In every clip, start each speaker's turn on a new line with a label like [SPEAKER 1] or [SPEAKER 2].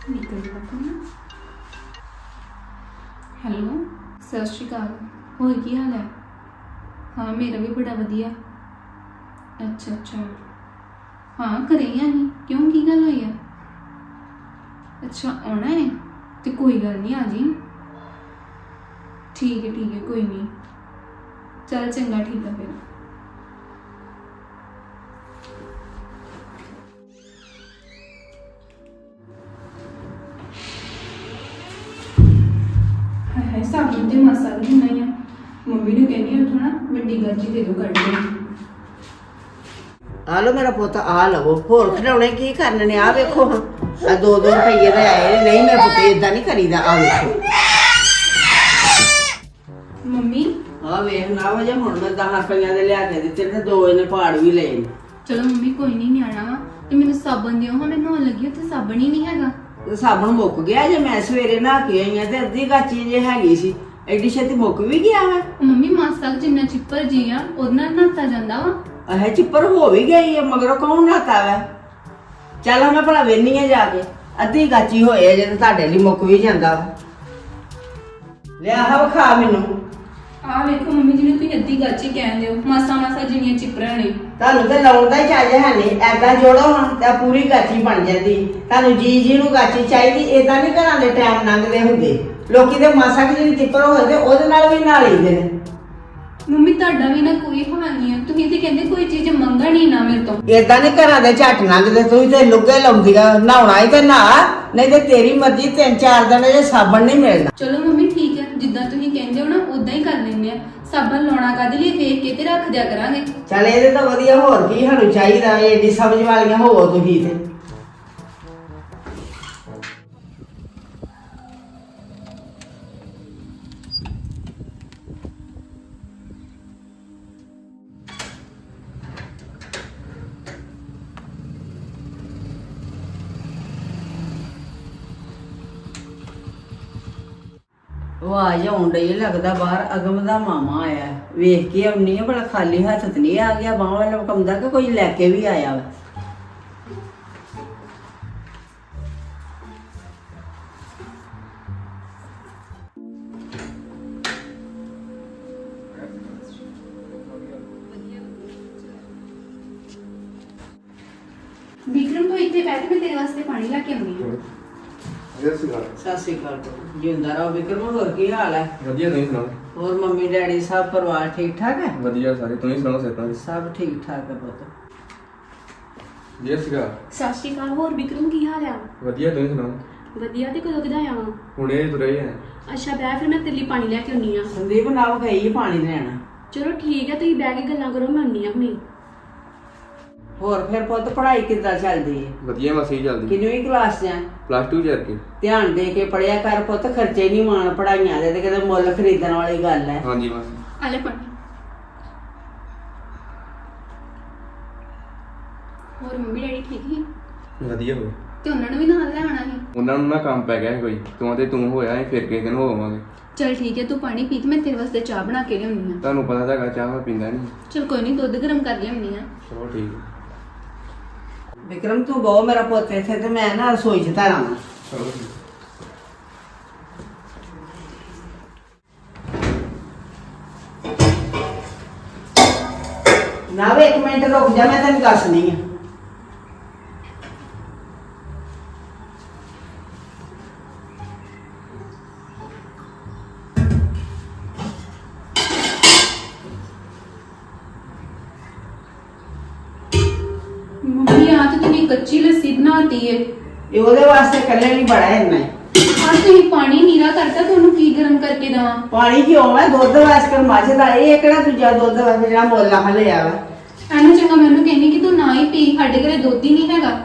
[SPEAKER 1] ਨਿਕਲ ਪਤਾ ਨਾ। ਹੈਲੋ, ਸਤਿ ਸ਼੍ਰੀ ਅਕਾਲ। ਹੋਰ ਕੀ ਹਾਲ ਹੈ? ਹਾਂ, ਮੇਰਾ ਵੀ ਬੜਾ ਵਧੀਆ। ਅੱਛਾ ਅੱਛਾ, ਹਾਂ ਘਰੇ ਹੀ ਆ ਅਸੀਂ। ਕਿਉਂ, ਕੀ ਗੱਲ ਹੋਈ ਆ? ਅੱਛਾ, ਆਉਣਾ ਹੈ ਤੇ ਕੋਈ ਗੱਲ ਨਹੀਂ, ਆ ਜੀ। ਠੀਕ ਹੈ ਕੋਈ ਨਹੀਂ। ਚੱਲ ਚੰਗਾ, ਠੀਕ ਆ ਫਿਰ। ਹਾਏ ਸਾਬਣ ਤੇ ਮਾਸਾ ਵੀ ਨਹੀਂ ਆ। ਮੰਮੀ ਨੂੰ ਕਹਿੰਦੀ ਉੱਥੋਂ ਨਾ ਵੱਡੀ ਗਾਜੀ ਦੇ ਦੋ ਕੱਢ ਕੇ।
[SPEAKER 2] ਆ ਲੋ ਮੇਰਾ ਪੁੱਤ, ਆ ਲਵੋ। ਹੋਰ ਖਿਡੌਣੇ ਕੀ ਕਰਨੇ ਨੇ? ਆ ਵੇਖੋ ਹਾਂ, ਆ 2-2 ਰੁਪਈਏ ਦੇ ਆਏ ਨੇ। ਨਹੀਂ ਮੇਰਾ ਪੁੱਤ ਏਦਾਂ ਨਹੀਂ ਕਰੀਦਾ। ਆ ਵੇਖੋ,
[SPEAKER 1] ਮੰਮੀ
[SPEAKER 2] ਆ ਵੇਖ ਨਾ ਵਜੇ ਹੁਣ ਮੈਂ 10 ਰੁਪਈਆਂ ਦੇ ਲਿਆ ਕੇ ਦਿੱਤੇ ਤੇ 2 ਇਹਨੇ ਪਾੜ ਵੀ ਲਏ ਨੇ।
[SPEAKER 1] ਚਲੋ ਮੰਮੀ, ਕੋਈ ਨਹੀਂ, ਨਿਆਣਾ ਵਾ ਤੇ ਮੈਨੂੰ ਸਾਬਣ ਦਿਓ ਹਾਂ। ਮੈਨੂੰ ਲੱਗੀ ਉੱਥੇ ਸਾਬਣ ਹੀ ਨਹੀਂ ਹੈਗਾ।
[SPEAKER 2] ਤੇ ਸਾਬਣ ਮੁੱਕ ਗਿਆ ਜੇ। ਮੈਂ ਸਵੇਰੇ ਨਹਾ ਕੇ ਆਈ ਆ ਤੇ ਅੱਧੀ ਗਾਚੀ ਜੇ ਹੈਗੀ ਸੀ। ਐਡੀ ਛੇਤੀ ਮੁੱਕ ਵੀ ਗਿਆ ਵਾ।
[SPEAKER 1] ਮੰਮੀ ਮਾਸਾ ਕੁ ਜਿੰਨਾ ਚਿੱਪਰ ਜੀ ਆ ਉਹਦੇ ਨਾਲ ਨਹਾਤਾ ਜਾਂਦਾ ਵਾ।
[SPEAKER 2] ਇਹ ਚਿੱਪਰ ਹੋ ਵੀ ਗਈ ਹੈ, ਮਗਰੋਂ ਕੌਣ ਨਹਾਤਾ ਵਾ? ਚੱਲ ਮੈਂ ਭਲਾ ਵੇਹਨੀ ਆ ਜਾ ਕੇ। ਅੱਧੀ ਗਾਚੀ ਹੋਏ ਜੇ ਤੇ ਤੁਹਾਡੇ ਲਈ ਮੁੱਕ ਵੀ ਜਾਂਦਾ ਵਾ। ਲਿਆ ਹਾ ਵਿਖਾ ਮੈਨੂੰ।
[SPEAKER 1] ਆਹ ਵੇਖੋ ਮੰਮੀ, ਜਿਹਨੂੰ ਤੁਸੀਂ ਅੱਧੀ ਗਾਚੀ ਕਹਿੰਦੇ ਹੋ, ਮਾਸਾ ਜਿੰਨੀਆਂ ਚਿੱਪਰਾਂ ਨੇ।
[SPEAKER 2] ਤੁਹਾਨੂੰ ਤੇ ਲਾਉਣ ਦਾ ਹੀ ਚੱਜ ਹੈ ਨਹੀਂ। ਐਦਾਂ ਜੋੜੋ ਹਾਂ ਤਾਂ ਪੂਰੀ ਗਾਚੀ ਬਣ ਜਾਂਦੀ। ਤੁਹਾਨੂੰ ਜੀ ਨੂੰ ਗਾਚੀ ਚਾਹੀਦੀ। ਏਦਾਂ ਨਹੀਂ ਘਰਾਂ ਦੇ ਟਾਈਮ ਲੰਘਦੇ ਹੁੰਦੇ। ਲੋਕੀ ਤੇ ਮਾਸਾ ਕਿ ਜਿਹੜੀ ਚਿੱਪਰ ਹੋਏ ਤੇ ਉਹਦੇ ਨਾਲ ਵੀ ਨਹਾ ਲਈਦੇ ਨੇ।
[SPEAKER 1] ਮੰਮੀ ਤੁਹਾਡਾ ਵੀ ਨਾ ਕੋਈ ਹਾਲ ਨਹੀਂ ਆ। ਤੁਸੀਂ ਤੇ ਕਹਿੰਦੇ ਕੋਈ ਚੀਜ਼ ਮੰਗਣ ਹੀ ਨਾ ਮੇਰੇ ਤੋਂ।
[SPEAKER 2] ਏਦਾਂ ਨਹੀਂ ਘਰਾਂ ਦੇ ਝੱਟ ਲੰਘਦੇ। ਤੁਸੀਂ ਤੇ ਲੁੱਗੇ ਲਾਉਂਦੀਆਂ। ਨਹਾਉਣਾ ਹੀ ਤੇ ਨਹਾ, ਨਹੀਂ ਤੇ ਤੇਰੀ ਮਰਜ਼ੀ। 3-4 ਦਿਨ ਜੇ ਸਾਬਣ ਨਹੀਂ ਮਿਲਣਾ।
[SPEAKER 1] ਚਲੋ ਮੰਮੀ ਠੀਕ ਹੈ, ਜਿੱਦਾਂ ਤੁਸੀਂ ਕਹਿੰਦੇ ਹੋ ਨਾ ਉਦਾਂ ਹੀ ਕਰ ਲੈਂਦੇ ਆ। ਸਾਬਣ ਲਾਉਣਾ ਕਾਹਦੇ ਲਈ, ਵੇਖ ਕੇ ਤੇ ਰੱਖ ਦਿਆ ਕਰਾਂਗੇ।
[SPEAKER 2] ਚੱਲ ਇਹਦੇ ਤਾਂ ਵਧੀਆ, ਹੋਰ ਕੀ ਸਾਨੂੰ ਚਾਹੀਦਾ? ਏਡੀ ਸਮਝ ਵਾਲੀਆਂ ਹੋਵੋ ਤੁਸੀਂ ਤੇ। ਆਵਾਜ਼ ਆਉਣ ਡਈ ਲੱਗਦਾ ਬਾਹਰ ਅਗਮ ਦਾ ਮਾਮਾ ਆਇਆ। ਵੇਖ ਕੇ ਆਉਣੀ ਆ ਬੜਾ, ਖਾਲੀ ਹੱਥ ਤੇ ਨਹੀਂ ਆ ਗਿਆ। ਬਾਹਾਂ ਵੱਲ ਵਕਾਉਂਦਾ ਕਿ ਕੋਈ ਲੈ ਕੇ ਵੀ ਆਇਆ ਵਾ।
[SPEAKER 1] ਵਿਕਰਮ ਤੋਂ ਇੱਥੇ ਬੈਠ, ਮੈਂ ਤੇਰੇ ਵਾਸਤੇ ਪਾਣੀ ਲੈ ਕੇ ਆਉਣੀ ਆ।
[SPEAKER 2] ਸਤਿ ਸ਼੍ਰੀ ਅਕਾਲ। ਜਿੰਦਾ ਰਹੋ ਵਿਕਰਮ। ਹੋਰ ਕੀ ਹਾਲ ਹੈ?
[SPEAKER 3] ਵਧੀਆ, ਤੁਸੀਂ ਸੁਣਾਓ?
[SPEAKER 2] ਹੋਰ ਮੰਮੀ ਡੈਡੀ ਸਭ ਪਰਿਵਾਰ ਠੀਕ ਠਾਕ ਹੈ?
[SPEAKER 3] ਵਧੀਆ ਸਾਰੇ, ਤੁਸੀਂ ਸੁਣਾਓ? ਸਿਹਤਾਂ
[SPEAKER 2] ਸਭ ਠੀਕ ਠਾਕ ਹੈ ਪੁੱਤ।
[SPEAKER 3] ਜੀ ਸੀਗਾ
[SPEAKER 4] ਸਤਿ ਸ਼੍ਰੀ ਅਕਾਲ। ਹੋਰ ਵਿਕਰਮ ਕੀ ਹਾਲ ਆ?
[SPEAKER 3] ਵਧੀਆ, ਤੁਸੀਂ ਸੁਣਾਓ?
[SPEAKER 4] ਵਧੀਆ। ਤੇ ਕਦੋਂ ਕਿਦਾ ਆਇਆ?
[SPEAKER 3] ਹੁਣੇ ਤੁਰੇ ਆ।
[SPEAKER 4] ਅੱਛਾ, ਬਹਿ ਫਿਰ ਮੈਂ ਤੇਰੇ ਲਈ ਪਾਣੀ ਲੈ ਕੇ ਆਉਣੀ ਆ।
[SPEAKER 2] ਸੰਦੀਪ ਨਾਲ ਗਈ ਪਾਣੀ ਲੈਣ।
[SPEAKER 4] ਚਲੋ ਠੀਕ ਹੈ, ਤੁਸੀਂ ਬਹਿ ਕੇ ਗੱਲਾਂ ਕਰੋ, ਮੈਂ ਆਉਣੀ ਆ ਹੁਣੀ।
[SPEAKER 2] ਹੋਰ ਫਿਰ ਪੁੱਤ ਪੜ੍ਹਾਈ ਕਿੱਦਾਂ ਚੱਲਦੀ ਹੈ?
[SPEAKER 3] ਵਧੀਆ ਮਸੀ ਚੱਲਦੀ।
[SPEAKER 2] ਕਿੰਨਵੀਂ ਕਲਾਸ 'ਚ ਹੈ?
[SPEAKER 3] +2 ਚ ਕੇ।
[SPEAKER 2] ਧਿਆਨ ਦੇ ਕੇ ਪੜਿਆ ਕਰ ਪੁੱਤ। ਖਰਚੇ ਨਹੀਂ ਮਾਣ ਪੜਾਈਆਂ ਦੇ, ਤੇ ਕਿਤੇ ਮੁੱਲ ਖਰੀਦਣ ਵਾਲੀ ਗੱਲ ਹੈ।
[SPEAKER 3] ਹਾਂਜੀ ਬਸ।
[SPEAKER 1] ਆਲੇ ਪਾਣੀ। ਹੋਰ ਮੰਮੀ ਡੈਡੀ ਠੀਕ ਹੀ?
[SPEAKER 3] ਵਧੀਆ ਹੋਵੇ।
[SPEAKER 1] ਤੇ ਉਹਨਾਂ ਨੂੰ ਵੀ ਨਾਲ ਲੈ ਆਉਣਾ ਸੀ।
[SPEAKER 3] ਉਹਨਾਂ ਨੂੰ ਨਾ ਕੰਮ ਪੈ ਗਿਆ ਸੀ ਕੋਈ। ਤੂੰ ਹੋਇਆ ਅਸੀਂ ਫਿਰ ਕਿਸੇ ਦਿਨ ਹੋਵਾਂਗੇ।
[SPEAKER 1] ਚਲ ਠੀਕ ਹੈ, ਤੂੰ ਪਾਣੀ ਪੀ ਤੇ ਮੈਂ ਤੇਰੇ ਵਾਸਤੇ ਚਾਹ ਬਣਾ ਕੇ ਲਿਆਉਣੀ ਆ।
[SPEAKER 3] ਤੁਹਾਨੂੰ ਪਤਾ ਤਾਂ ਹੈਗਾ ਚਾਹ ਮੈਂ ਪੀਂਦਾ ਨਹੀਂ।
[SPEAKER 1] ਚਲ ਕੋਈ ਨਹੀਂ, ਦੁੱਧ ਗਰਮ ਕਰ ਲਿਆਉਣੀ ਆ।
[SPEAKER 3] ਚਲੋ ਠੀਕ ਹੈ।
[SPEAKER 2] ਵਿਕਰਮ ਤੂੰ ਬਹੁ ਮੇਰਾ ਪੁੱਤ ਇੱਥੇ, ਤੇ ਮੈਂ ਨਾ ਰਸੋਈ 'ਚ ਧਰਾਂ।
[SPEAKER 3] ਚਲੋ ਠੀਕ।
[SPEAKER 2] ਨਾ ਵੇ 1 ਮਿੰਟ ਰੁਕ ਜਾ, ਮੈਂ ਤੈਨੂੰ ਦੱਸਣੀ ਆ।
[SPEAKER 1] ਮੰਮੀ ਆ ਤੇ ਤੁਸੀਂ ਕੱਚੀ ਲੱਸੀ ਬਣਾਤੀ ਏ।
[SPEAKER 2] ਇਹ ਉਹਦੇ ਵਾਸਤੇ ਇਕੱਲੇ ਨਹੀਂ ਬੜਾ ਇੰਨਾ ਹੀ।
[SPEAKER 1] ਆ ਤੁਸੀਂ ਪਾਣੀ ਨੀਰਾ ਕਰਤਾ, ਤੁਹਾਨੂੰ ਕੀ ਗਰਮ ਕਰਕੇ ਦਵਾਂ?
[SPEAKER 2] ਪਾਣੀ ਕਿਉਂ ਹੈ? ਦੁੱਧ ਵਾਸਤੇ ਮੱਝ ਦਾ। ਇਹ ਕਿਹੜਾ ਦੂਜਾ ਦੁੱਧ ਵਾ ਜਿਹੜਾ ਮੁੱਲ ਆ ਲਿਆ ਵਾ?
[SPEAKER 1] ਐਨੂੰ ਚੰਗਾ ਮੈਨੂੰ ਕਹਿੰਦੀ ਕਿ ਤੂੰ ਨਾ ਹੀ ਪੀ, ਸਾਡੇ ਘਰੇ ਦੁੱਧ ਹੀ ਨਹੀਂ ਹੈਗਾ।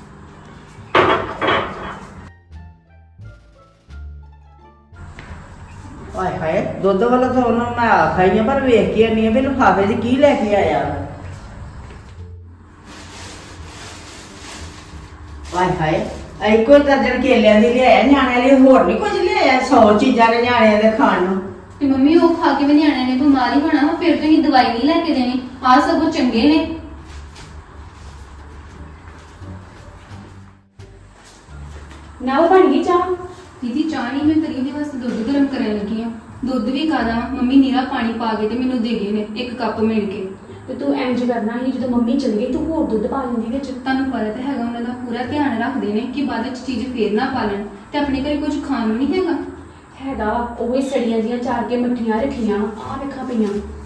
[SPEAKER 2] ਹਾਏ ਹਾਏ, ਦੁੱਧ ਵਾਲਾ ਤਾਂ ਉਹਨਾਂ ਮੈਂ ਆਖਾਈ ਆ, ਪਰ ਵੇਖ ਕੇ ਆਨੀ ਆ ਵੀ ਲਿਫਾਫੇ 'ਚ ਕੀ ਲੈ ਕੇ ਆਇਆ ਵਾ। ਹਾਏ ਹਾਏ, ਇੱਕੋ ਦਰਜਨ ਕੇਲਿਆਂ ਦੀ ਲਿਆਇਆ ਨਿਆਣਿਆਂ ਲਈ, ਹੋਰ ਨਹੀਂ ਕੁਝ ਲਿਆਇਆ? 100 ਚੀਜ਼ਾਂ ਨੇ ਨਿਆਣਿਆਂ ਦੇ ਖਾਣ ਨੂੰ।
[SPEAKER 1] ਤੇ ਮੰਮੀ ਉਹ ਖਾ ਕੇ ਵੀ ਨਿਆਣਿਆਂ ਨੇ ਬਿਮਾਰ ਹੀ ਹੋਣਾ ਵਾ, ਫਿਰ ਤੁਸੀਂ ਦਵਾਈ ਨਹੀਂ ਲੈ ਕੇ ਦੇਣੀ। ਆ ਸਗੋਂ ਚੰਗੇ ਨੇ।
[SPEAKER 4] ਨਾ ਉਹ ਬਣ ਗਈ ਚਾਹ।
[SPEAKER 1] ਦੀਦੀ ਚਾਹ ਨਹੀਂ, ਮੈਂ ਤੇਰੀ ਉਹਦੇ ਵਾਸਤੇ ਦੁੱਧ ਗਰਮ ਕਰਨ ਲੱਗੀ ਆ। ਦੁੱਧ ਵੀ ਕਾਦਾ ਮੰਮੀ ਨੀਰਾ ਪਾਣੀ ਪਾ ਕੇ ਤੇ ਮੈਨੂੰ ਦੇ ਗਏ ਨੇ 1 ਕੱਪ ਮਿਲ ਕੇ।
[SPEAKER 4] ਤੇ ਤੂੰ ਇੰਜ ਕਰਨਾ ਸੀ, ਜਦੋਂ ਮੰਮੀ ਚਲ ਗਈ ਤੂੰ ਹੋਰ ਦੁੱਧ ਪਾ ਲੈਂਦੀ ਵਿੱਚ।
[SPEAKER 1] ਤੁਹਾਨੂੰ ਪਤਾ ਤਾਂ ਹੈਗਾ ਉਹਨਾਂ ਦਾ ਪੂਰਾ ਧਿਆਨ ਰੱਖਦੇ ਨੇ ਕਿ ਬਾਅਦ ਵਿੱਚ ਚੀਜ਼ ਫੇਰ ਨਾ ਪਾ ਲੈਣ, ਤੇ ਆਪਣੇ ਘਰੇ ਕੁਝ ਖਾਣ ਨੂੰ ਨਹੀਂ ਹੈਗਾ।
[SPEAKER 4] ਹੈਗਾ ਉਹ ਹੀ ਸੜੀਆਂ ਜੀਆਂ ਚਾਰ ਕੇ ਮੱਠੀਆਂ ਰੱਖੀਆਂ ਆ ਵੇਖਾਂ ਪਈਆਂ।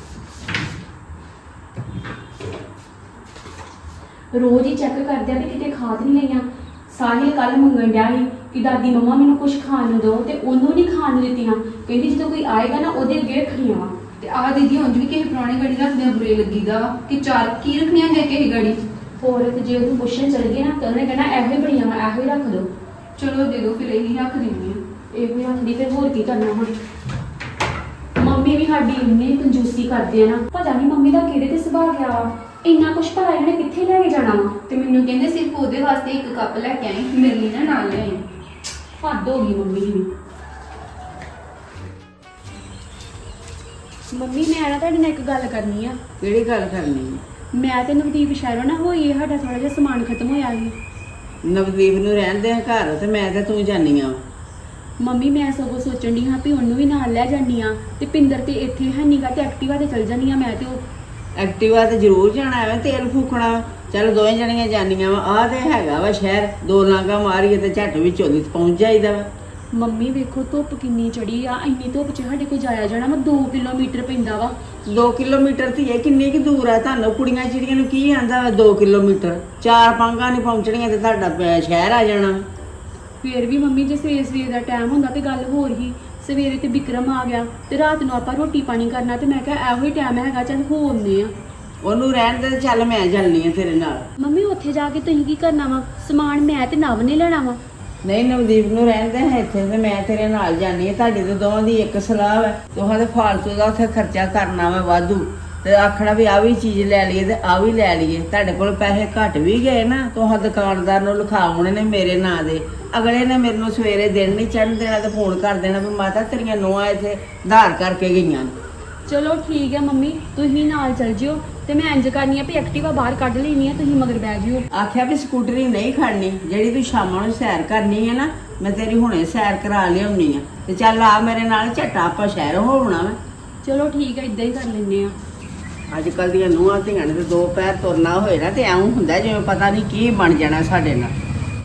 [SPEAKER 4] ਰੋਜ਼ ਹੀ ਚੈੱਕ ਕਰਦੇ ਆ ਵੀ ਕਿਤੇ ਖਾ ਤਾਂ ਨਹੀਂ ਲਈਆਂ। ਸਾਹਿਲ ਕੱਲ ਮੰਗਣ ਡਿਆ ਸੀ ਕਿ ਦਾਦੀ ਮੰਮਾ ਮੈਨੂੰ ਕੁਝ ਖਾਣ ਨੂੰ ਦਿਓ, ਤੇ ਉਹਨੂੰ ਨਹੀਂ ਖਾਣ ਨੂੰ ਦਿੱਤੀਆਂ। ਕਹਿੰਦੀ ਜਦੋਂ ਕੋਈ ਆਏਗਾ ਨਾ ਉਹਦੇ ਅੱਗੇ ਰੱਖਣੀਆਂ ਵਾ।
[SPEAKER 1] ਤੇ ਆਹ ਦੀਦੀ ਉਂਝ ਵੀ ਕਿਸੇ ਪੁਰਾਣੀ ਗੜੀ ਰੱਖਦੇ ਬੁਰੇ ਲੱਗੀਦਾ ਵਾ ਕਿ ਚਾਰ ਕੀ ਰੱਖਣੀਆਂ ਦੇ ਕੇ ਗੜੀ।
[SPEAKER 4] ਹੋਰ ਤੇ ਜੇ ਉਹਨੂੰ ਪੁੱਛਣ ਚਲ ਗਏ ਨਾ ਤਾਂ ਉਹਨੇ ਕਹਿਣਾ ਇਹੋ ਹੀ ਬੜੀਆਂ ਵਾ, ਇਹੋ ਹੀ ਰੱਖ ਦਿਓ।
[SPEAKER 1] ਚਲੋ ਦੇ ਦਿਓ, ਫਿਰ ਇਹੀ ਰੱਖ ਦਿੰਦੀ ਆ।
[SPEAKER 4] ਇਹੋ ਹੀ ਰੱਖਦੀ, ਫਿਰ ਹੋਰ ਕੀ ਕਰਨਾ ਹੁਣ। ਮੰਮੀ ਵੀ ਸਾਡੀ ਇੰਨੀ ਕੰਜੂਸੀ ਕਰਦੇ ਆ ਨਾ, ਪਤਾ ਨਹੀਂ ਮੰਮੀ ਦਾ ਕਿਹਦੇ ਤੇ ਸੁਭਾਅ ਗਿਆ ਵਾ। ਇੰਨਾ ਕੁਛ ਭਲਾ ਇਹਨੇ ਕਿੱਥੇ ਲੈ ਕੇ ਜਾਣਾ ਵਾ।
[SPEAKER 1] ਤੇ ਮੈਨੂੰ ਕਹਿੰਦੇ ਸਿਰਫ ਉਹਦੇ ਵਾਸਤੇ 1 ਕੱਪ ਲੈ ਕੇ ਆਈ, ਮੇਰੇ ਲਈ ਨਾ ਨਾਲ ਲਿਆਈ।
[SPEAKER 4] ਹੱਦ ਹੋ ਗਈ ਮੰਮੀ ਦੀ। ਮੰਮੀ ਮੈਂ ਨਾ ਤੁਹਾਡੇ ਨਾਲ ਇੱਕ ਗੱਲ ਕਰਨੀ ਆ।
[SPEAKER 2] ਕਿਹੜੀ ਗੱਲ ਕਰਨੀ ਹੈ?
[SPEAKER 4] ਮੈਂ ਤੇ ਨਵਦੀਪ ਸ਼ਹਿਰੋਂ ਨਾ ਹੋਈ, ਸਾਡਾ ਥੋੜਾ ਜਿਹਾ ਸਮਾਨ ਖਤਮ ਹੋਇਆ ਸੀ।
[SPEAKER 2] ਨਵਦੀਪ ਨੂੰ ਰਹਿਣ ਦੇ ਘਰ, ਤੇ ਮੈਂ ਤੇ ਤੂੰ ਜਾਨੀਆਂ।
[SPEAKER 4] ਮੰਮੀ ਮੈਂ ਸਗੋਂ ਸੋਚਣ ਦੀ ਹਾਂ ਵੀ ਉਹਨੂੰ ਵੀ ਨਾਲ ਲੈ ਜਾਨੀ ਆ, ਤੇ ਪਿੰਦਰ ਤੇ ਇੱਥੇ ਹੈ ਨੀਗਾ, ਤੇ ਐਕਟਿਵਾ ਤੇ ਚਲ ਜਾਨੀ ਆ ਮੈਂ ਤੇ ਉਹ।
[SPEAKER 2] ਐਕਟਿਵਾ ਤੇ ਜ਼ਰੂਰ ਜਾਣਾ, ਐਵੇਂ ਤੇਲ ਫੂਕਣਾ। ਚੱਲ ਦੋਵੇਂ ਜਣੀਆਂ ਜਾਨੀਆਂ ਵਾ। ਆਹ ਤੇ ਹੈਗਾ ਵਾ ਸ਼ਹਿਰ, 2 ਲਾਂਘਾਂ ਮਾਰੀਏ ਤੇ ਝੱਟ ਵਿੱਚੋਂ ਦੀ ਪਹੁੰਚ ਜਾਈਦਾ ਵਾ।
[SPEAKER 4] ਮੰਮੀ ਵੇਖੋ ਧੁੱਪ ਕਿੰਨੀ ਚੜੀ ਆ, ਇੰਨੀ ਧੁੱਪ 'ਚ ਸਾਡੇ ਕੋਲ ਜਾਇਆ ਜਾਣਾ ਵਾ। 2 ਕਿਲੋਮੀਟਰ ਪੈਂਦਾ ਵਾ।
[SPEAKER 2] 2 ਕਿਲੋਮੀਟਰ ਤੇ ਇਹ ਕਿੰਨੀ ਕੁ ਦੂਰ ਆ? ਤੁਹਾਨੂੰ ਕੁੜੀਆਂ ਚਿੜੀਆਂ ਨੂੰ ਕੀ ਆਂਦਾ ਵਾ 2 ਕਿਲੋਮੀਟਰ? 4 ਪਾਂਗਾਂ ਨਹੀਂ ਪਹੁੰਚਣੀਆਂ ਤੇ ਤੁਹਾਡਾ ਸ਼ਹਿਰ ਆ ਜਾਣਾ।
[SPEAKER 4] ਫੇਰ ਵੀ ਮੰਮੀ ਜੇ ਸਵੇਰ ਦਾ ਟਾਈਮ ਹੁੰਦਾ ਤੇ ਗੱਲ ਹੋਰ ਹੀ। ਸਵੇਰੇ ਤੇ ਵਿਕਰਮ ਆ ਗਿਆ ਤੇ ਰਾਤ ਨੂੰ ਆਪਾਂ ਰੋਟੀ ਪਾਣੀ ਕਰਨਾ, ਤੇ ਮੈਂ ਕਿਹਾ ਇਹੋ ਹੀ ਟਾਈਮ ਹੈਗਾ, ਚੱਲ ਹੋ ਆਉਂਦੇ ਆ।
[SPEAKER 2] ਉਹਨੂੰ ਰਹਿਣ ਦੇ, ਚੱਲ ਮੈਂ ਚੱਲਣੀ ਆ ਤੇਰੇ ਨਾਲ।
[SPEAKER 4] ਮੰਮੀ ਉੱਥੇ ਜਾ ਕੇ ਤੁਸੀਂ ਕੀ ਕਰਨਾ ਵਾ? ਸਮਾਨ ਮੈਂ ਤੇ ਨਵ ਨੇ ਲੈਣਾ ਵਾ।
[SPEAKER 2] ਨਹੀਂ, ਨਵਦੀਪ ਨੂੰ ਰਹਿਣ ਦੇ ਇੱਥੇ, ਤੇ ਮੈਂ ਤੇਰੇ ਨਾਲ ਜਾਣੀ ਆ। ਤੁਹਾਡੀ ਤੇ ਦੋਵਾਂ ਦੀ ਇੱਕ ਸਲਾਹ ਹੈ। ਦੋਹਾਂ ਦੇ ਫਾਲਤੂ ਦਾ ਉੱਥੇ ਖਰਚਾ ਕਰਨਾ ਵਾ ਵਾਧੂ, ਤੇ ਆਖਣਾ ਵੀ ਆ ਵੀ ਚੀਜ਼ ਲੈ ਲਈਏ ਤੇ ਆ ਵੀ ਲੈ ਲਈਏ। ਤੁਹਾਡੇ ਕੋਲ ਪੈਸੇ ਘੱਟ ਵੀ ਗਏ ਨਾ, ਤੁਹਾਂ ਦੁਕਾਨਦਾਰ ਨੂੰ ਲਿਖਾਉਣੇ ਨੇ ਮੇਰੇ ਨਾਂ ਦੇ। ਅਗਲੇ ਨੇ ਮੇਰੇ ਨੂੰ ਸਵੇਰੇ ਦਿਨ ਨਹੀਂ ਚੜ੍ਹਨ ਦੇਣਾ ਤੇ ਫੋਨ ਕਰ ਦੇਣਾ ਵੀ ਮਾਤਾ ਤੇਰੀਆਂ ਨੂੰਹਾਂ ਇੱਥੇ ਆਧਾਰ ਕਰਕੇ ਗਈਆਂ ਨੇ।
[SPEAKER 4] ਚਲੋ ਠੀਕ ਹੈ ਮੰਮੀ, ਤੁਸੀਂ ਨਾਲ ਚੱਲ ਜਿਓ, ਤੇ ਮੈਂ ਇੰਜ ਕਰਨੀ ਆ ਵੀ ਐਕਟਿਵਾ ਬਾਹਰ ਕੱਢ ਲੈਣੀ ਆ, ਤੁਸੀਂ ਮਗਰ ਬਹਿ ਜਿਓ।
[SPEAKER 2] ਆਖਿਆ ਵੀ ਸਕੂਟਰੀ ਨਹੀਂ ਖੜਨੀ, ਜਿਹੜੀ ਤੂੰ ਸ਼ਾਮਾਂ ਨੂੰ ਸੈਰ ਕਰਨੀ ਹੈ ਨਾ, ਮੈਂ ਤੇਰੀ ਹੁਣੇ ਸੈਰ ਕਰਾ ਲਿਆਉਣੀ ਆ। ਤੇ ਚੱਲ ਆ ਮੇਰੇ ਨਾਲ, ਝੱਟਾ ਆਪਾਂ ਸ਼ਹਿਰ ਹੋਣਾ ਵਾ।
[SPEAKER 4] ਚਲੋ ਠੀਕ ਹੈ, ਇਦਾਂ ਹੀ ਕਰ ਲੈਂਦੇ ਆ।
[SPEAKER 2] ਅੱਜ ਕੱਲ ਦੀਆਂ ਨੂੰਹਾਂ ਧੀਆਂ ਨੇ ਤੇ 2 ਪੈਰ ਤੁਰਨਾ ਹੋਏ ਨਾ ਤੇ ਐਂ ਹੁੰਦਾ ਜਿਵੇਂ ਪਤਾ ਨਹੀਂ ਕੀ ਬਣ ਜਾਣਾ ਸਾਡੇ ਨਾਲ।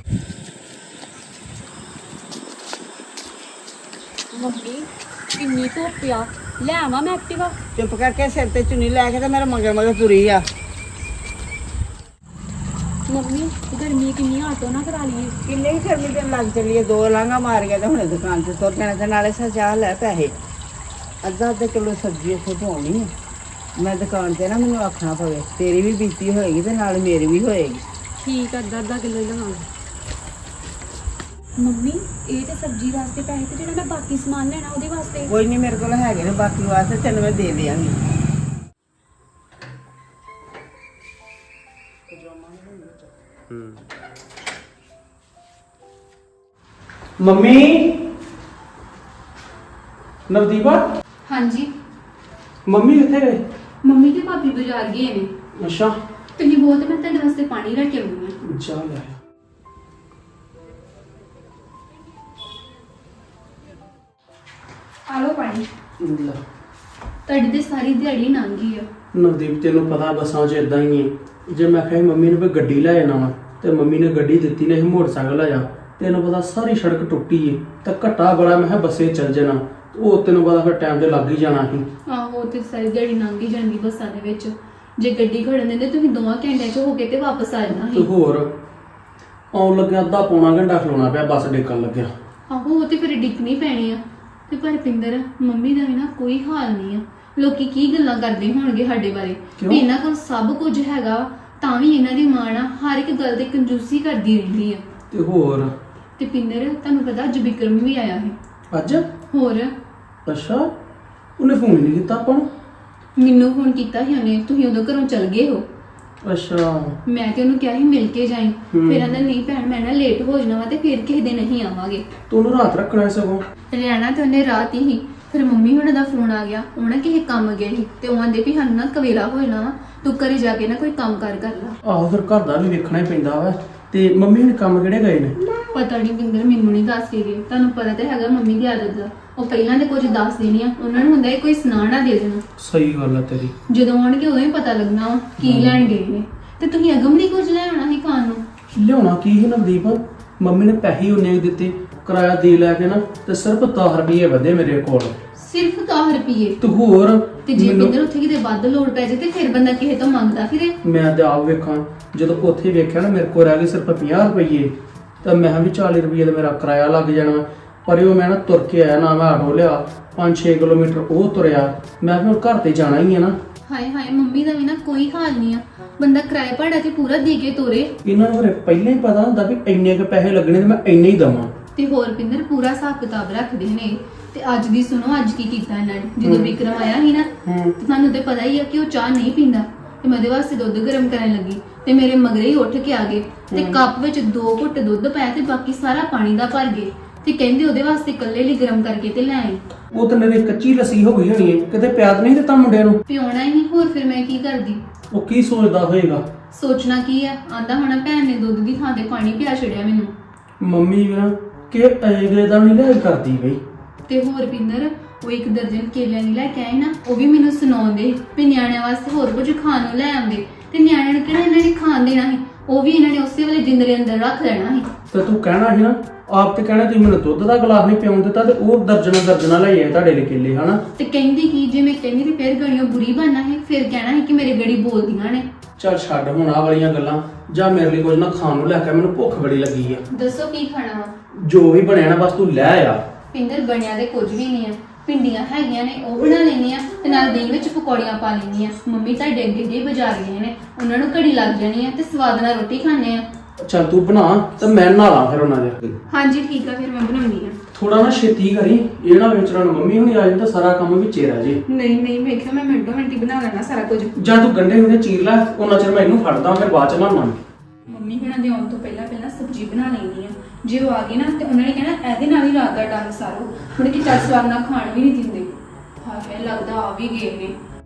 [SPEAKER 4] ਮੰਮੀ ਕਿੰਨੀ ਧੁੱਪ ਆ, ਲੈ ਆਵਾਂ ਮੈਂ ਐਕਟਿਵਾ?
[SPEAKER 2] ਚੁੱਪ ਕਰਕੇ ਸਿਰ ਤੇ ਚੁੰਨੀ ਲੈ ਕੇ ਤੇ ਮੇਰੇ ਮਗਰ ਮਗਰ ਤੁਰੀ ਆ।
[SPEAKER 4] ਮੰਮੀ ਗਰਮੀ ਕਿੰਨੀ, ਆਟੋ ਨਾ ਕਰਾ ਲਈਏ?
[SPEAKER 2] ਕਿੰਨੇ ਹੀ ਗਰਮੀ ਤੇ ਲੱਗ ਚੱਲੀਏ, 2 ਲਾਂਘਾਂ ਮਾਰ ਗਿਆ ਤੇ ਹੁਣੇ ਦੁਕਾਨ ਤੇ ਤੁਰ ਜਾਣਾ। ਤੇ ਨਾਲੇ ਸਜਾ ਲੈ ਪੈਸੇ, ਅੱਧਾ ਕਿਲੋ ਸਬਜ਼ੀ ਇੱਥੇ ਧੋਣੀ। ਮੈਂ ਦੁਕਾਨ ਤੇ ਨਾ ਮੈਨੂੰ ਆਖਣਾ ਪਵੇ, ਤੇਰੀ ਵੀ ਬੀਤੀ ਹੋਏਗੀ ਤੇ ਨਾਲ ਮੇਰੀ ਵੀ ਹੋਏਗੀ।
[SPEAKER 4] ਠੀਕ ਆ, ਅੱਧਾ ਕਿਲੋ ਹੀ ਲਵਾਂਗੇ। ਮੰਮੀ ਇਹ ਤੇ ਸਬਜ਼ੀ ਵਾਸਤੇ ਪੈਸੇ, ਤੇ ਜਿਹੜਾ ਮੈਂ ਬਾਕੀ ਸਮਾਨ ਲੈਣਾ ਉਹਦੇ ਵਾਸਤੇ?
[SPEAKER 2] ਕੋਈ ਨਹੀਂ, ਮੇਰੇ ਕੋਲ ਹੈਗੇ ਨੇ ਬਾਕੀ ਵਾਸਤੇ, ਤੈਨੂੰ ਮੈਂ ਦੇ ਦਿਆਂਗੀ।
[SPEAKER 5] ਮੰਮੀ, ਨਵਦੀਪਾ,
[SPEAKER 1] ਹਾਂਜੀ
[SPEAKER 5] ਮੰਮੀ ਕਿੱਥੇ ਗਏ?
[SPEAKER 1] ਮੰਮੀ ਤੇ ਭਾਬੀ ਬਾਜ਼ਾਰ ਗਏ ਨੇ।
[SPEAKER 5] ਅੱਛਾ,
[SPEAKER 1] ਤੁਸੀਂ ਬਹੁਤ, ਮੈਂ ਤੁਹਾਡੇ ਵਾਸਤੇ ਪਾਣੀ ਲੈ ਕੇ ਆਉਂਦੀ ਹਾਂ।
[SPEAKER 5] ਜਾ ਲੈ।
[SPEAKER 1] ਆ ਲਓ ਪਾਣੀ।
[SPEAKER 5] ਲੈ।
[SPEAKER 1] ਤੁਹਾਡੀ ਤੇ ਸਾਰੀ ਦਿਹਾੜੀ ਲੰਘ ਗਈ ਆ।
[SPEAKER 5] ਨਵਦੀਪ, ਤੈਨੂੰ ਪਤਾ ਬੱਸਾਂ 'ਚ ਇਦਾਂ ਹੀ ਹੈ। ਜੇ ਮੈਂ ਕਿਹਾ ਸੀ ਮੰਮੀ ਨੂੰ ਵੀ ਗੱਡੀ ਲੈ ਜਾਣਾ ਵਾ, ਤੇ ਮੰਮੀ ਨੇ ਗੱਡੀ ਦਿੱਤੀ ਨਹੀਂ, ਮੋਟਰਸਾਈਕਲ ਆਇਆ। ਤੈਨੂੰ ਪਤਾ ਸਾਰੀ ਸੜਕ ਟੁੱਟੀ ਏ, ਤਾਂ ਘੱਟਾ ਬੜਾ ਮੈਂ ਕਿਹਾ ਬੱਸੇ ਚੱਲ ਜਾਣਾ। ਉਹ ਤੈਨੂੰ ਪਤਾ ਫਿਰ ਟਾਈਮ ਤੇ ਲੱਗ ਹੀ ਜਾਣਾ ਸੀ।
[SPEAKER 1] ਆਹੋ, ਤੇ ਸਾਰੀ ਦਿਹਾੜੀ ਲੰਘ ਹੀ ਜਾਂਦੀ ਬੱਸਾਂ ਦੇ ਵਿੱਚ। ਜੇ ਗੱਡੀ ਖੜਨ ਦਿੰਦੇ ਤੁਸੀਂ 2 ਘੰਟਿਆਂ 'ਚ ਹੋ ਕੇ ਤੇ ਵਾਪਸ ਆ ਜਾਣਾ
[SPEAKER 5] ਤੇ
[SPEAKER 1] ਸੀ।
[SPEAKER 5] ਹੋਰ ਆਉਣ ਲੱਗਿਆ ਅੱਧਾ ਪੌਣਾ ਘੰਟਾ ਖਲੋਣਾ ਪਿਆ, ਬੱਸ ਡੇਕਣ ਲੱਗਿਆ।
[SPEAKER 1] ਆਹੋ, ਉਹ ਤੇ ਫਿਰ ਡਿੱਗਣੀ ਪੈਣੀ ਆ। ਤੇ ਪਰ ਪਿੰਦਰ, ਮੰਮੀ ਦਾ ਵੀ ਨਾ ਕੋਈ ਹਾਲ ਨਹੀਂ ਆ। ਲੋਕੀ ਕੀ ਗੱਲਾਂ ਕਰਦੇ ਹੋਣਗੇ ਸਾਡੇ ਬਾਰੇ
[SPEAKER 5] ਕਿਉਂ?
[SPEAKER 1] ਵੀ ਇਹਨਾਂ ਕੋਲ ਸਭ ਕੁਝ ਹੈਗਾ, ਤਾਂ ਵੀ ਇਹਨਾਂ ਦੀ ਮਾਂ ਨਾ ਹਰ ਇੱਕ ਗੱਲ ਤੇ ਕੰਜੂਸੀ ਕਰਦੀ ਰਹਿੰਦੀ ਆ।
[SPEAKER 5] ਤੇ ਹੋਰ
[SPEAKER 1] ਤੇ ਪਿੰਦਰ, ਤੁਹਾਨੂੰ ਪਤਾ ਅੱਜ ਵਿਕਰਮ ਵੀ ਆਇਆ ਹੈ।
[SPEAKER 5] ਅੱਜ?
[SPEAKER 1] ਹੋਰ
[SPEAKER 5] ਅੱਛਾ, ਉਹਨੇ ਫੋਨ ਨਹੀਂ ਕੀਤਾ ਆਪਾਂ ਨੂੰ?
[SPEAKER 1] ਮੈਨੂੰ ਫੋਨ ਕੀਤਾ ਸੀ ਉਹਨੇ, ਤੁਸੀਂ ਉਦੋਂ ਘਰੋਂ ਚਲ ਗਏ ਹੋ।
[SPEAKER 5] ਅੱਛਾ।
[SPEAKER 1] ਮੈਂ ਤੇ ਉਹਨੂੰ ਕਿਹਾ ਸੀ ਮਿਲ ਕੇ ਜਾਈਂ।
[SPEAKER 5] ਹੂੰ।
[SPEAKER 1] ਫਿਰ ਕਹਿੰਦਾ ਨਹੀਂ ਭੈਣ, ਮੈਂ ਨਾ ਲੇਟ ਹੋ ਜਾਣਾ ਵਾ ਤੇ ਫਿਰ ਕਿਸੇ ਦਿਨ ਨਹੀਂ ਆਵਾਂਗੇ।
[SPEAKER 5] ਤੂੰ ਉਹਨੂੰ ਰਾਤ ਰੱਖਣਾ ਸਗੋਂ।
[SPEAKER 1] ਰਹਿਣਾ ਤੇ ਉਹਨੇ ਰਾਤ ਹੀ। ਫਿਰ ਮੰਮੀ ਹੁਣਾਂ ਦਾ ਫੋਨ ਆ ਗਿਆ, ਉਹਨਾਂ ਕਿਸੇ ਕੰਮ ਗਏ ਸੀ ਤੇ ਉਹ ਆਂਦੇ ਵੀ ਸਾਨੂੰ ਨਾ ਕਵੇਲਾ ਹੋ ਜਾਣਾ ਵਾ, ਤੂੰ ਘਰੇ ਜਾ ਕੇ ਨਾ ਕੋਈ ਕੰਮ ਕਰ ਲਾ।
[SPEAKER 5] ਆਹੋ, ਫਿਰ ਘਰ ਦਾ ਵੀ ਵੇਖਣਾ ਹੀ ਪੈਂਦਾ ਵਾ। ਤੇ ਮੰਮੀ ਹੁਣ ਕੰਮ ਕਿਹੜੇ ਗਏ ਨੇ?
[SPEAKER 1] ਪਤਾ ਨਹੀਂ ਪਿੰਦਰ, ਮੈਨੂੰ ਨਹੀਂ ਦੱਸ ਕੇ ਗਏ। ਤੁਹਾਨੂੰ ਪਤਾ ਤਾਂ ਹੈਗਾ ਮੰਮੀ ਦੀ ਆਦਤ ਦਾ, ਉਹ ਪਹਿਲਾਂ ਤੇ ਕੁਝ ਦੱਸ ਦੇਣੀ ਆ, ਉਹਨਾਂ ਨੂੰ ਹੁੰਦਾ ਹੈ ਕੋਈ ਸੁਣਾ ਨਾ ਦੇ ਦੇਣਾ।
[SPEAKER 5] ਸਹੀ ਗੱਲ ਆ ਤੇਰੀ।
[SPEAKER 1] ਜਦੋਂ ਆਉਣਗੇ ਉਦੋਂ ਹੀ ਪਤਾ ਲੱਗਣਾ ਵਾ ਕੀ ਲੈਣ ਗਏ ਨੇ। ਤੇ ਤੁਸੀਂ ਅਗਮ ਨਹੀਂ ਕੁਝ ਲੈ ਆਉਣਾ ਸੀ ਖਾਣ ਨੂੰ?
[SPEAKER 5] ਲਿਆਉਣਾ ਕੀ ਸੀ ਨਵਦੀਪ, ਮੰਮੀ ਨੇ ਪੈਸੇ ਉਹਨੇ ਦਿੱਤੇ, ਕਿਰਾਇਆ ਦੇ ਲੈ ਕੇ ਨਾ ਤੇ ਸਿਰਫ 10 ਰੁਪਏ ਵਧੇ ਮੇਰੇ ਕੋਲ।
[SPEAKER 1] ਸਿਰਫ 10 ਰੁਪਏ?
[SPEAKER 5] ਤੇ ਹੋਰ
[SPEAKER 1] ਤੇ ਜੇ
[SPEAKER 5] ਮੈਨੂੰ-
[SPEAKER 1] ਪਿੰਦਰ ਉੱਥੇ ਕਿਤੇ ਵੱਧ ਲੋੜ ਪੈ ਜੇ ਤੇ ਫਿਰ ਬੰਦਾ ਕਿਸੇ ਤੋਂ ਮੰਗਦਾ ਫਿਰੇ।
[SPEAKER 5] ਮੈਂ ਤੇ ਆਪ ਵੇਖਾਂ, ਜਦੋਂ ਉੱਥੇ ਵੇਖਿਆ ਨਾ ਮੇਰੇ ਕੋਲ ਰਹਿ ਗਏ ਸਿਰਫ 50 ਰੁਪਏ, ਤਾਂ ਮੈਂ ਵੀ 40 ਰੁਪਏ ਦਾ ਮੇਰਾ ਕਿਰਾਇਆ ਲੱਗ ਜਾਣਾ। ਪਰ ਉਹ ਮੈਂ ਨਾ ਤੁਰ ਕੇ ਆਇਆ, ਨਾ ਮੈਂ ਆਟੋ ਲਿਆ, 5-6 ਕਿਲੋਮੀਟਰ ਉਹ ਤੁਰਿਆ। ਮੈਂ ਵੀ ਹੁਣ ਘਰ ਤੇ ਜਾਣਾ ਹੀ ਹੈ ਨਾ।
[SPEAKER 1] ਹਾਏ ਹਾਏ, ਮੰਮੀ ਦਾ ਵੀ ਨਾ ਕੋਈ ਹਾਲ ਨਹੀਂ ਆ, ਬੰਦਾ ਕਿਰਾਏ ਭਾੜਾ ਤੇ ਪੂਰਾ ਦੇ ਕੇ ਤੋਰੇ।
[SPEAKER 5] ਇਹਨਾਂ ਨੂੰ ਫਿਰ ਪਹਿਲਾਂ ਹੀ ਪਤਾ ਹੁੰਦਾ ਵੀ ਇੰਨੇ ਕੁ ਪੈਸੇ ਲੱਗਣੇ ਤੇ ਮੈਂ ਇੰਨੇ ਹੀ ਦਵਾਂ।
[SPEAKER 1] ਤੇ ਹੋਰ ਪਿੰਦਰ ਪੂਰਾ ਹਿਸਾਬ ਕਿਤਾਬ ਰੱਖਦੇ ਨੇ। ਤੇ ਅੱਜ ਦੀ ਸੁਣੋ, ਅੱਜ ਕੀ ਕੀਤਾ ਇਹਨਾਂ ਨੇ। ਜਦੋਂ ਵਿਕਰਮ ਆਇਆ ਸੀ ਨਾ, ਤੇ ਤੁਹਾਨੂੰ ਤੇ ਪਤਾ ਹੀ ਆ ਕਿ ਉਹ ਚਾਹ ਨਹੀਂ ਪੀਂਦਾ, ਤੇ ਮੈਂ ਉਹਦੇ ਵਾਸਤੇ ਦੁੱਧ ਗਰਮ ਕਰਨ ਲੱਗੀ ਤੇ ਮੇਰੇ ਮਗਰੇ ਹੀ ਉੱਠ ਕੇ ਆ ਗਏ ਤੇ ਕੱਪ ਵਿੱਚ 2 ਘੁੱਟ ਦੁੱਧ ਪਾਇਆ ਤੇ ਬਾਕੀ ਸਾਰਾ ਪਾਣੀ ਦਾ ਭਰ ਗਏ ਤੇ ਕਹਿੰਦੇ ਉਹਦੇ ਵਾਸਤੇ ਇਕੱਲੇ ਲਈ ਗਰਮ ਕਰਕੇ ਤੇ ਲੈ ਆਈ।
[SPEAKER 5] ਉਹ ਤਾਂ ਮੇਰੇ ਕੱਚੀ ਲੱਸੀ ਹੋ ਗਈ ਹੋਣੀ ਹੈ, ਕਿਤੇ ਪਿਆਦ ਨਹੀਂ ਦਿੱਤਾ ਮੁੰਡਿਆਂ ਨੂੰ।
[SPEAKER 1] ਪਿਉਣਾ ਹੀ ਨਹੀਂ, ਹੋਰ ਫਿਰ ਮੈਂ ਕੀ ਕਰਦੀ।
[SPEAKER 5] ਉਹ ਕੀ ਸੋਚਦਾ ਹੋਏਗਾ?
[SPEAKER 1] ਸੋਚਣਾ ਕੀ ਆ, ਆਂਦਾ ਹੋਣਾ ਭੈਣ ਨੇ ਦੁੱਧ ਦੀ ਥਾਂ ਤੇ ਪਾਣੀ ਪਿਆ ਛੜਿਆ ਮੈਨੂੰ।
[SPEAKER 5] ਮੰਮੀ ਵੀ ਨਾ ਕਿ ਅਗਲੇ ਦਾ ਨਹੀਂ ਲਿਆ ਕਰਦੀ ਬਈ।
[SPEAKER 1] ਤੇ ਹੋਰ ਪਿੰਦਰ, ਉਹ 1 ਦਰਜਨ ਕੇਲਿਆਂ ਦੀ ਲੈ ਕੇ ਆਏ ਨਾ, ਉਹ ਵੀ ਮੈਨੂੰ ਸੁਣਾਉਂਦੇ ਵੀ ਨਿਆਣਿਆਂ ਵਾਸਤੇ ਹੋਰ ਕੁਝ ਖਾਣ ਨੂੰ ਲੈ ਆਉਂਦੇ। ਤੇ ਨਿਆਣਿਆਂ ਨੂੰ ਕਿਹੜਾ ਇਹਨਾਂ ਨੇ ਖਾਣ ਦੇਣਾ ਸੀ, ਉਹ ਵੀ ਇਹਨਾਂ ਨੇ ਉਸੇ ਵੇਲੇ ਜਿੰਦਰੇ ਅੰਦਰ ਰੱਖ ਲੈਣਾ ਸੀ।
[SPEAKER 5] ਤੇ ਤੂੰ ਕਹਿਣਾ ਸੀ ਨਾ, ਆਪ ਤੇ ਕਹਿਣਾ ਤੁਸੀਂ ਮੈਨੂੰ ਦੁੱਧ ਦਾ ਗਲਾਸ ਨਹੀਂ ਪਿਉਣ ਦਿੱਤਾ, ਤੇ ਉਹ ਦਰਜਨਾ ਲੈ ਆਏ ਤੁਹਾਡੇ ਲਈ ਕੇਲੇ, ਹਨਾ।
[SPEAKER 1] ਤੇ ਕਹਿੰਦੀ ਕੀ, ਜੇ ਮੈਂ ਕਹਿੰਦੀ ਤੇ ਫਿਰ ਗੜੀਆਂ ਬੁਰੀ ਬਣਨਾ ਹੈ, ਫਿਰ ਕਹਿਣਾ ਹੈ ਕਿ ਮੇਰੇ ਗੜੀ ਬੋਲਦੀਆਂ ਨੇ।
[SPEAKER 5] ਚੱਲ ਛੱਡ ਹੁਣ ਆਹ ਵਾਲੀਆਂ ਗੱਲਾਂ, ਜਾਂ ਮੇਰੇ ਲਈ ਕੁਝ ਨਾ ਖਾਣ ਨੂੰ ਲੈ ਕੇ, ਮੈਨੂੰ ਭੁੱਖ ਬੜੀ ਲੱਗੀ ਆ।
[SPEAKER 1] ਦੱਸੋ ਕੀ ਖਾਣਾ ਵਾ?
[SPEAKER 5] ਜੋ ਵੀ ਬਣਿਆ ਨਾ ਬਸ ਤੂੰ ਲੈ ਆ।
[SPEAKER 1] ਪਿੰਦਰ ਬਣਿਆ ਤੇ ਕੁਝ ਵੀ ਨਹੀਂ ਆ, ਭਿੰਡੀਆਂ ਹੈਗੀਆਂ ਨੇ ਉਹ ਬਣਾ ਲੈਣੀ ਆ ਤੇ ਨਾਲ ਦਹੀਂ ਵਿੱਚ ਪਕੌੜੀਆਂ ਪਾ ਲੈਣੀ ਆ। ਮੰਮੀ ਤੁਹਾਡੇ ਅੱਗੇ ਦੇ ਬਾਜ਼ਾਰ ਗਏ ਨੇ, ਉਹਨਾਂ ਨੂੰ ਘੜੀ ਲੱਗ ਜਾਣੀ ਆ ਤੇ ਸਵਾਦ ਨਾਲ ਰੋਟੀ ਖਾਣੇ ਆ।
[SPEAKER 5] ਚੱਲ ਤੂੰ ਬਣਾ ਤੇ ਮੈਂ ਨਹਾ ਲਾਂ ਫਿਰ ਉਹਨਾਂ ਦੇ।
[SPEAKER 1] ਹਾਂਜੀ ਠੀਕ ਆ, ਫਿਰ ਮੈਂ ਬਣਾਉਣੀ ਆ।
[SPEAKER 5] ਥੋੜਾ ਨਾ ਛੇਤੀ ਕਰੀ, ਇਹ ਨਾ ਵਿਚਾਰਾਂ ਨੂੰ ਮੰਮੀ ਹੁਣੀ ਆ ਜਾਣ ਤਾਂ ਸਾਰਾ ਕੰਮ ਵਿੱਚੇ ਰਹਿ ਜੇ।
[SPEAKER 1] ਨਹੀਂ ਨਹੀਂ, ਮੈਂ ਕਿਹਾ ਮੈਂ ਮਿੰਟੋ ਮਿੰਟੀ ਬਣਾ ਲੈਣਾ ਸਾਰਾ ਕੁਝ।
[SPEAKER 5] ਜਾਂ ਤੂੰ ਗੰਢੇ ਉਹਨੇ ਚੀਰ ਲੈ, ਉਹਨਾਂ ਚਿਰ ਮੈਂ ਇਹਨੂੰ ਫੜਦਾ, ਫਿਰ ਬਾਅਦ ਚ ਨਹਾਉਣਾ।
[SPEAKER 1] ਮੰਮੀ ਹੁਣਾਂ ਦੇ ਆਉਣ ਤੋਂ ਪਹਿਲਾਂ ਸਬਜ਼ੀ ਬਣਾ ਲੈਣੀ ਆ। ਜੇ ਉਹ ਆ ਗਏ ਨਾ ਤੇ ਉਹਨਾਂ ਨੇ ਕਹਿਣਾ ਇਹਦੇ ਨਾਲ ਹੀ ਰਾਤ ਦਾ ਡੰਗ ਸਾਰੋ, ਮੁੜ ਕੇ ਚੱਲ ਸਵਾਦ ਨਾਲ ਖਾਣ ਵੀ ਨਹੀਂ ਦਿੰਦੇ। ਹਾਂ ਫਿਰ ਲੱਗਦਾ ਆ ਵੀ ਗਏ ਨੇ।